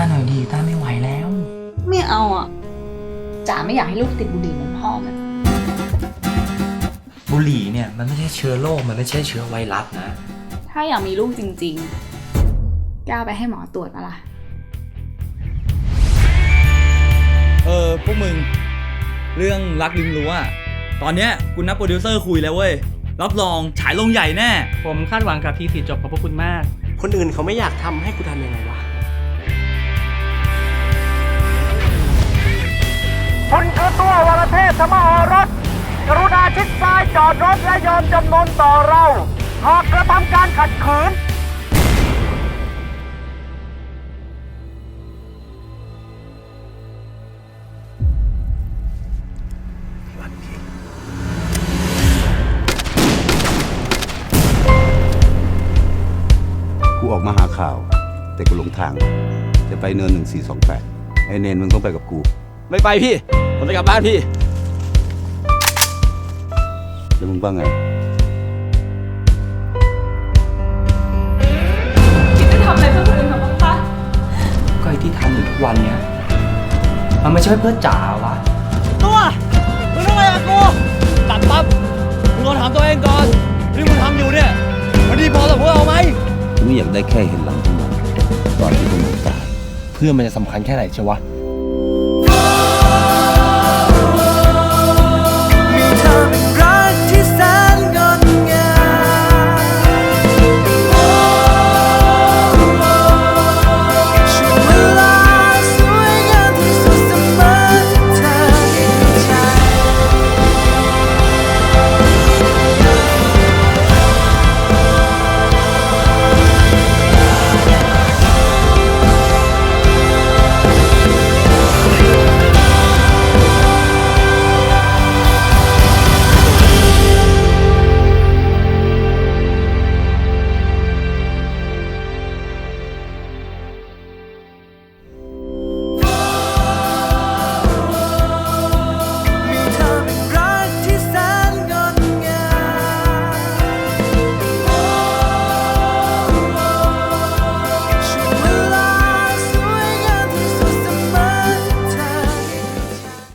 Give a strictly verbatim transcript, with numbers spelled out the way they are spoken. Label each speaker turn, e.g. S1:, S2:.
S1: หน่อยดีต้าไม่ไหวแล้ว
S2: ไม่เอาอ่ะจ๋าไม่อยากให้ลูกติดบุหรี่เหมือนพ่อมัน
S1: บุหรี่เนี่ยมันไม่ใช่เชื้อโรคมันไม่ใช่เชื้อไวรัสนะ
S2: ถ้าอยากมีลูกจริงๆก้าวไปให้หมอตรวจปะล่ะ
S3: เออพวกมึงเรื่องรักริมรั้วอะตอนเนี้ยกูนัดโปรดิวเซอร์คุยแล้วเว้ยรับรองฉายลงใหญ่แน่
S4: ผมคาดหวังกับทีสีจบของพวกคุณมาก
S5: คนอื่นเขาไม่อยากทำให้กูทำยังไงวะ
S6: คุณคือตัววรเทพธรรมโอรสกรุณาชิดซ้ายจอดรถและยอมจำนนต่อเรา หากกระทำการขัดขืน
S7: กูออกมาหาข่าว แต่กูหลงทาง จะไปเนินหนึ่งสี่สองแปดไอเนนมึงต้องไปกับกู
S3: ไม่ไปพี่ ผมจะกลับบ้านพี่
S7: แล้วมึงว่าไง
S2: คิดจะทำอะไรเพื่อคนอื่นเขาบ้างปะ
S1: ก็ไอ้ที่ทำอยู่ทุกวันเนี้ยมันไม่ใช่เพื่อจ๋าวะ
S3: ตัวมึงทำอะไรกับกูตัดปั๊บมึงลองถามตัวเองก่อนที่มึงทำอยู่เนี่ยมันดีพอสำหรับพวกเราไหม
S7: กูไม่อยากได้แค่เห็นหลังพวกมันตอนที่พวกมันตาย
S1: เพื่อมันจะสำคัญแค่ไหนเชียววะ